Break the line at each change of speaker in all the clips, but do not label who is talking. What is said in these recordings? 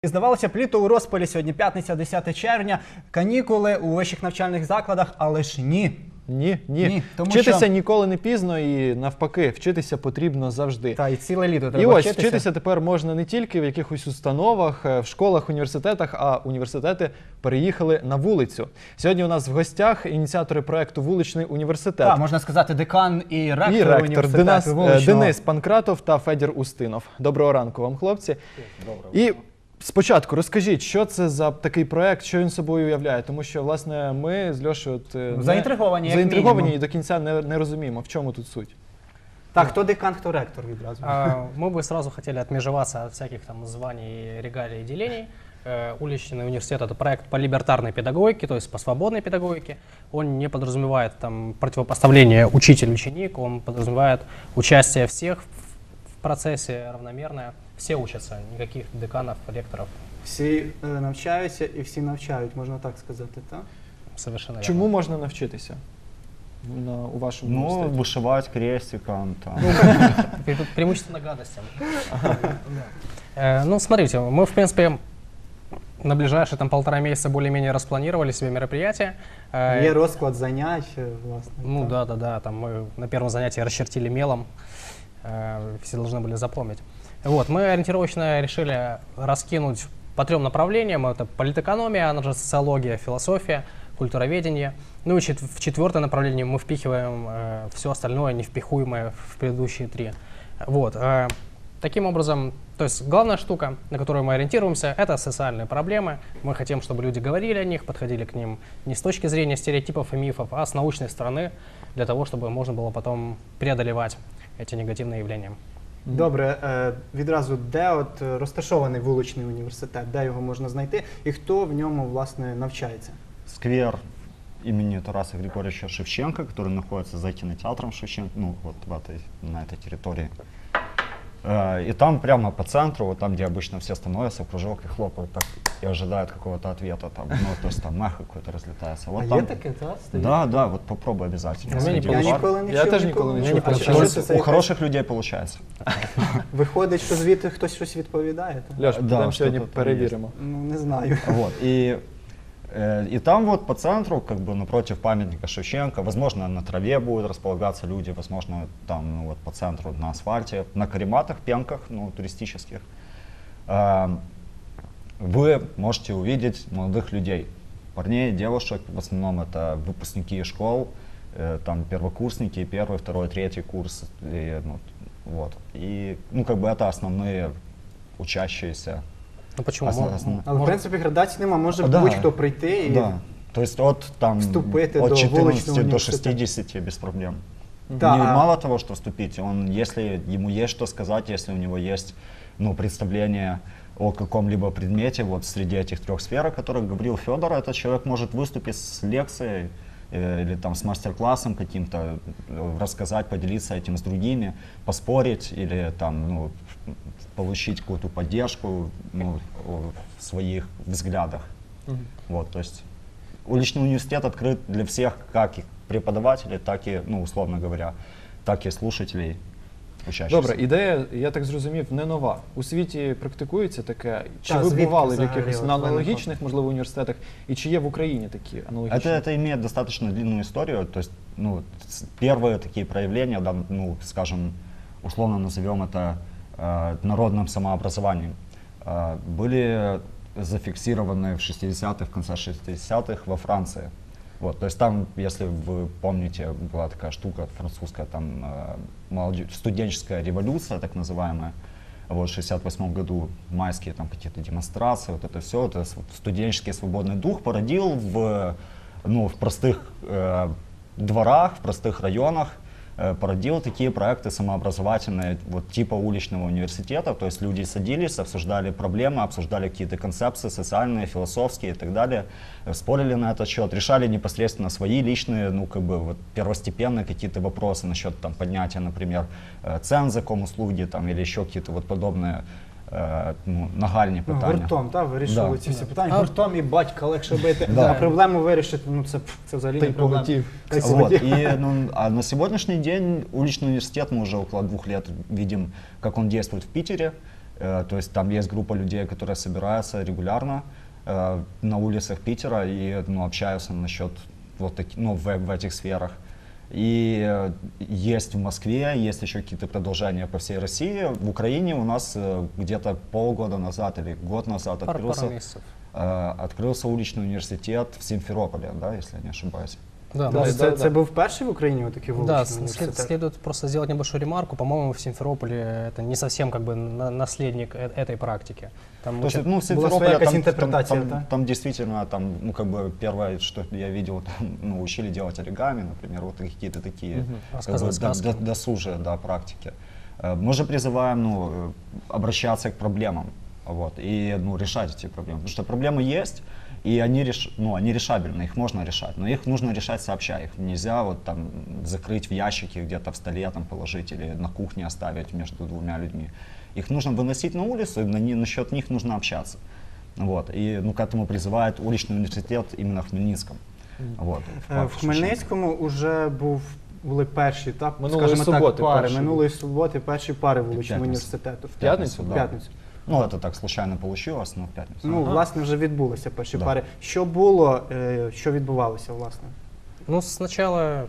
здавалося б, літо у розпалі, сьогодні п'ятниця, 10 червня, канікули у вищих навчальних закладах, але ж ні.
Ні. Вчитися ніколи не пізно і навпаки, вчитися потрібно завжди.
Та, і ціле літо треба
І ось
вчитися.
вчитися тепер можна не тільки в якихось установах, в школах, університетах, а університети переїхали на вулицю. Сьогодні у нас в гостях ініціатори проєкту «Вуличний університет».
Так, можна сказати, декан і ректор університету вуличного.
Денис Панкратов та Федір Устинов. Доброго ранку вам, хлопці. І спочатку розкажіть, що це за такий проєкт, що він собою уявляє, тому що, власне, ми з Льошею заінтриговані і до кінця не розуміємо, в чому тут суть.
Так, хто декан, хто ректор відразу?
Мы бы сразу хотели отмежеваться от всяких там званий, регалий и делений. Уличный университет — это проект по либертарной педагогике, то есть по свободной педагогике. Он не подразумевает там противопоставление учитель-ученик, он подразумевает участие всех в процессе равномерное. Все учатся, никаких деканов, ректоров.
Всі навчаються і всі навчають, можна так сказати, так?
Совершенно верно.
Чому можна навчитися у вашому університеті?
Вышивать крестиком.
Преимущественно гадостям. Ну, смотрите, мы, в принципе, на ближайшие там 1,5 месяца более-менее распланировали себе мероприятия.
Є розклад занять, власне.
Ну да, там мы на первом занятии расчертили мелом, все должны были запомнить. Вот, мы ориентировочно решили раскинуть по 3 направлениям. Это политэкономия, она же социология, философия, культуроведение. Ну и в 4-е направление мы впихиваем все остальное, невпихуемое в предыдущие 3. Вот. Таким образом, то есть главная штука, на которую мы ориентируемся, это социальные проблемы. Мы хотим, чтобы люди говорили о них, подходили к ним не с точки зрения стереотипов и мифов, а с научной стороны, для того, чтобы можно было потом преодолевать эти негативные явления.
Добре, відразу, де от розташований вуличний університет, де його можна знайти і хто в ньому, власне, навчається?
Сквер имени Тараса Григорьевича Шевченко, который находится за кинотеатром Шевченко, ну вот на этой территории. И там прямо по центру, вот там, где обычно все становятся в кружок и хлопают так, и ожидают какого-то ответа, там, ну, то есть там мех какой-то разлетается. Вот там...
таке, так?
Да, вот попробуй обязательно.
Я
теж ніколи не чув.
У хороших людей получается.
Виходить, що звідти хтось щось відповідає?
Льош, підемо сьогодні перевіримо.
Ну, не знаю.
Вот, и там вот по центру, как бы напротив памятника Шевченко, возможно, на траве будут располагаться люди, возможно, там, ну, вот по центру на асфальте, на карематах, пенках, ну, туристических. Вы можете увидеть молодых людей, парней, девушек, в основном это выпускники школ, там первокурсники, 1-й, 2-й, 3-й курс, вот. И, ну, как бы это основные учащиеся.
Ну почему?
Але, в принципі, градації нема, може будь-хто прийти і
то есть от 14 до 60 без проблем. Мало того, что вступить, если ему есть что сказать, если у него есть представление о каком-либо предмете, вот среди этих 3 сфер, о которых говорил Федор, этот человек может выступить с лекцией или там с мастер-классом каким-то, рассказать, поделиться этим с другими, поспорить или там, получить какую-то поддержку в своих взглядах. Вот, то есть уличный университет открыт для всех, как и преподавателей, так и, условно говоря, так и слушателей, учащихся.
Добре, ідея, я так зрозумів, не нова. У світі практикується таке? Чи ви бували в якихось аналогічних, можливо, університетах? І чи є в Україні такі аналогічні?
Это имеет достаточно длинную историю. То есть, первые такие проявления, скажем, условно назовем это народным самообразованием, были зафиксированы в 60-х, в конце 60-х во Франции. Вот, то есть там, если вы помните, была такая штука французская, там студенческая революция, так называемая, вот, в 68 году майские там какие-то демонстрации, вот это все, это студенческий свободный дух породил в простых дворах, в простых районах, породил такие проекты самообразовательные, вот типа уличного университета, то есть люди садились, обсуждали проблемы, обсуждали какие-то концепции социальные, философские и так далее, спорили на этот счет, решали непосредственно свои личные, первостепенные какие-то вопросы насчет там поднятия, например, цен за комуслуги там или еще какие-то вот подобные нагальні питання.
Гуртом, так, вирішили ці всі питання. Гуртом і батька легше бити, а проблему вирішити, це взагалі не проблема.
А на сегодняшний день уличный университет, мы уже около 2 лет видим, как он действует в Питере. То есть там есть группа людей, которые собираются регулярно на улицах Питера и общаются насчет вот таких, в этих сферах. И есть в Москве, есть еще какие-то продолжения по всей России. В Украине у нас где-то полгода назад или год назад
Пару месяцев.
открылся уличный университет в Симферополе, да, если я не ошибаюсь.
Да,
Да,
Це був перший в Україні отакий
да,
вуличний університет?
следует просто сделать небольшую ремарку. По-моему, в Симферополе это не совсем как бы наследник этой практики. Там
То есть,
учат-
в
Была
Симферополе
своя какая-то
там
интерпретация, да?
там действительно, как бы первое, что я видел, там, учили делать оригами, например, вот какие-то такие
Рассказывать сказки.
досужие, да, практики. Мы же призываем, обращаться к проблемам, вот, и, решать эти проблемы, потому что проблемы есть, и они решабельны, их можно решать, но их нужно решать сообща, их нельзя вот там закрыть в ящике где-то в столе там положить или на кухне оставить между двумя людьми. Их нужно выносить на улицу, и насчет них нужно общаться. Вот. И к этому призывает уличный университет именно в Хмельницком. Вот,
В Хмельницькому вже були перші, так,
Минулої
скажімо так,
суботи
пари.
перші
Минулої суботи перші пари вуличного
П'ятницю.
університету.
В п'ятницю?
В п'ятницю.
Это так случайно получилось, но в пятницу.
Власне, вже відбулися перші
Да.
пари. Що було, що відбувалося, власне?
Ну, сначала,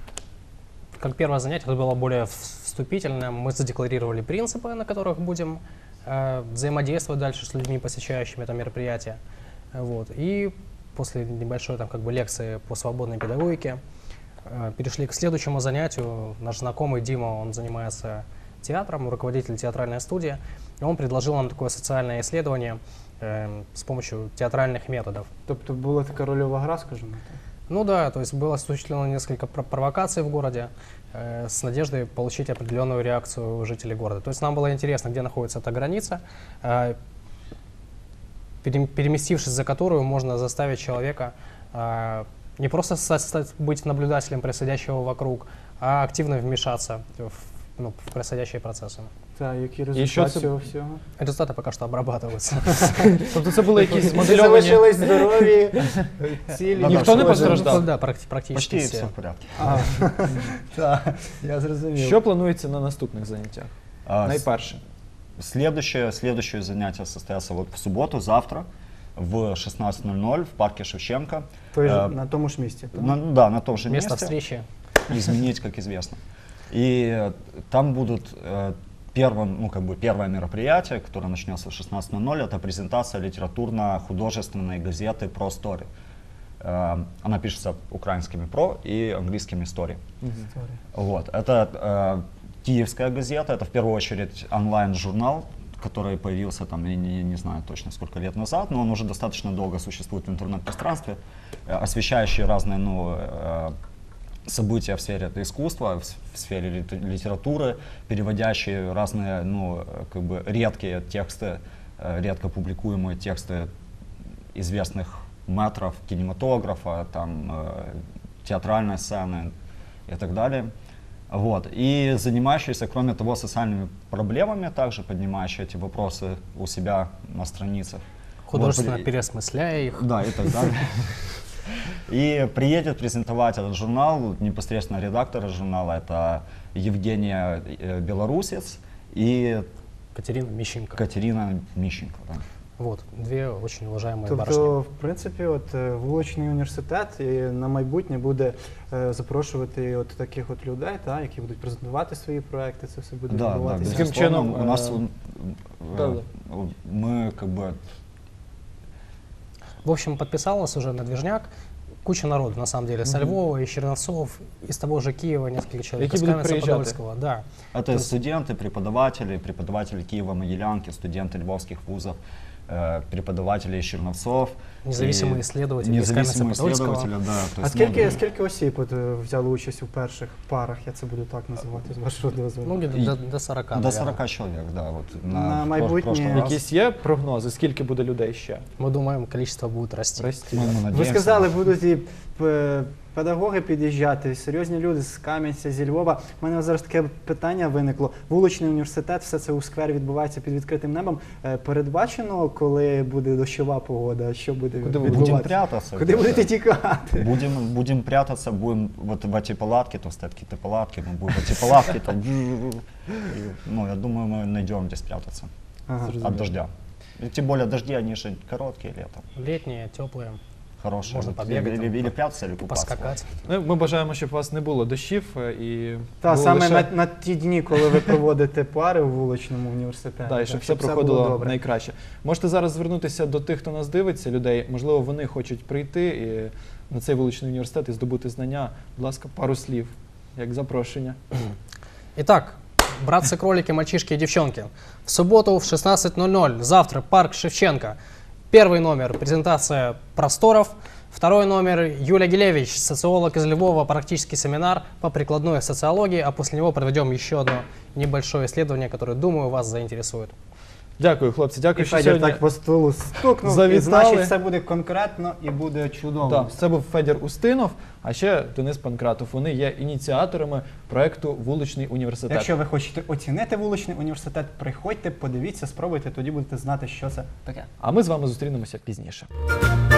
как первое занятие, это было более вступительное. Мы задекларировали принципы, на которых будем взаимодействовать дальше с людьми, посещающими это мероприятие. Вот. И после небольшой лекции по свободной педагогике перешли к следующему занятию. Наш знакомый Дима, он занимается театром, руководитель театральной студии. И он предложил нам такое социальное исследование с помощью театральных методов.
Тобто була така рольова гра, скажімо так?
Ну да, то есть было осуществлено несколько провокаций в городе с надеждой получить определенную реакцию жителей города. То есть нам было интересно, где находится эта граница, переместившись за которую можно заставить человека не просто быть наблюдателем происходящего вокруг, а активно вмешаться в происходящие процессы.
Так, які
що
результати
це-
цього всього?
Результаты пока что обрабатываются.
Тобто це були якісь
Всі
моделювані...
залишились здорові, цілі.
Ніхто не
нічого.
постраждав?
Да, практически
Почти
все.
все в порядке.
Так, я зрозумів.
Що планується на наступних заняттях? Найперше.
Следующее занятие состоится вот в субботу, завтра, в 16:00 в парке Шевченко.
На тому ж місці. так?
На том же
Место
месте.
встречи.
Изменить, как известно. И там будут первое мероприятие, которое начнется в 16:00, это презентация литературно-художественной газеты «Про Story». Она пишется украинскими «Про» и английскими «Story». Вот. Это киевская газета, это в первую очередь онлайн-журнал, который появился там, я не знаю точно сколько лет назад, но он уже достаточно долго существует в интернет-пространстве, освещающий разные события в сфере искусства, в сфере литературы, переводящие разные редкие тексты, редко публикуемые тексты известных мэтров кинематографа, театральной сцены и так далее. Вот. И занимающиеся, кроме того, социальными проблемами, также поднимающие эти вопросы у себя на страницах.
Художественно
Вот.
переосмысляя их.
Да, и так далее. И приедет презентовать этот журнал непосредственно редактора журнала, это Евгения Белорусец и
Катерина Мищенко.
Катерина Мищенко. Да.
Вот, две очень уважаемые барышни.
Тобто, в принципі, вуличний університет і на майбутнє буде запрошувати таких людей, які будуть презентувати свої проекти, це все буде відбуватися.
Таким чином,
у нас
да.
мы
В общем, подписалось уже на движняк куча народу, на самом деле, со Львова, из Черновцов, из того же Киева несколько человек, из
Які будуть приїжджати?
Каменца-Подольского. Да.
Это студенты, преподаватели Киева-Могилянки, студенты львовских вузов, преподаватели из Черновцов.
Независимые
и
исследователи из
независимые
Каменца-Подольского.
исследователи, да. То
А
есть,
скільки осіб взяли участь у перших парах, я це буду так називати, з вашого дозволу?
Ну, где-то до 40,
До
наверное.
40 человек, да. Вот,
На
в
майбутнє
прошлый раз.
Якісь є прогнози, скільки буде людей ще?
Мы думаем, количество будет расти.
Расти.
Мы
Ви
надеемся.
сказали, будуть і педагоги під'їжджати, серйозні люди з Кам'янця, зі Львова. У мене зараз таке питання виникло. Вуличний університет, все це у сквері відбувається під відкритим небом. Передбачено, коли буде дощова погода, що буде
Куди ви
відбуватися?
Будем прятаться.
Куди будете тікати?
Будем прятаться, будем вот в эти палатки, то стоят какие-то палатки, мы будем в эти палатки там. Я думаю, мы найдем где спрятаться.
Ага.
от дождя. И тем более дожди, они же короткие летом.
Летние, теплые,
Хорошие.
Можно
Вот
побегать
или
там,
прятаться, или купаться.
поскакать.
Ну, ми бажаємо, щоб у вас не було дощів і
Та
було
саме
лише...
на ті дні, коли ви проводите пари у вуличному університеті.
Да, і
так,
щоб все
було
проходило
добре.
найкраще. Можете зараз звернутися до тих, хто нас дивиться, людей. Можливо, вони хочуть прийти на цей вуличний університет і здобути знання. Будь ласка, пару слів, як запрошення.
Итак, братцы-кролики, мальчишки и девчонки. В субботу в 16:00, завтра, парк Шевченко. Первый номер – презентация просторов. Второй номер – Юлия Гилевич, социолог из Львова, практический семинар по прикладной социологии, а после него проведем еще одно небольшое исследование, которое, думаю, вас заинтересует.
Дякую, хлопці.
І
Дякую, що
Федір
сьогодні...
так по столу стукнув, і
завітали.
значить все буде конкретно і буде чудово.
Да, це був Федір Устинов, а ще Денис Панкратов. Вони є ініціаторами проекту «Вуличний університет».
Якщо ви хочете оцінити вуличний університет, приходьте, подивіться, спробуйте, тоді будете знати, що це таке.
А ми з вами зустрінемося пізніше.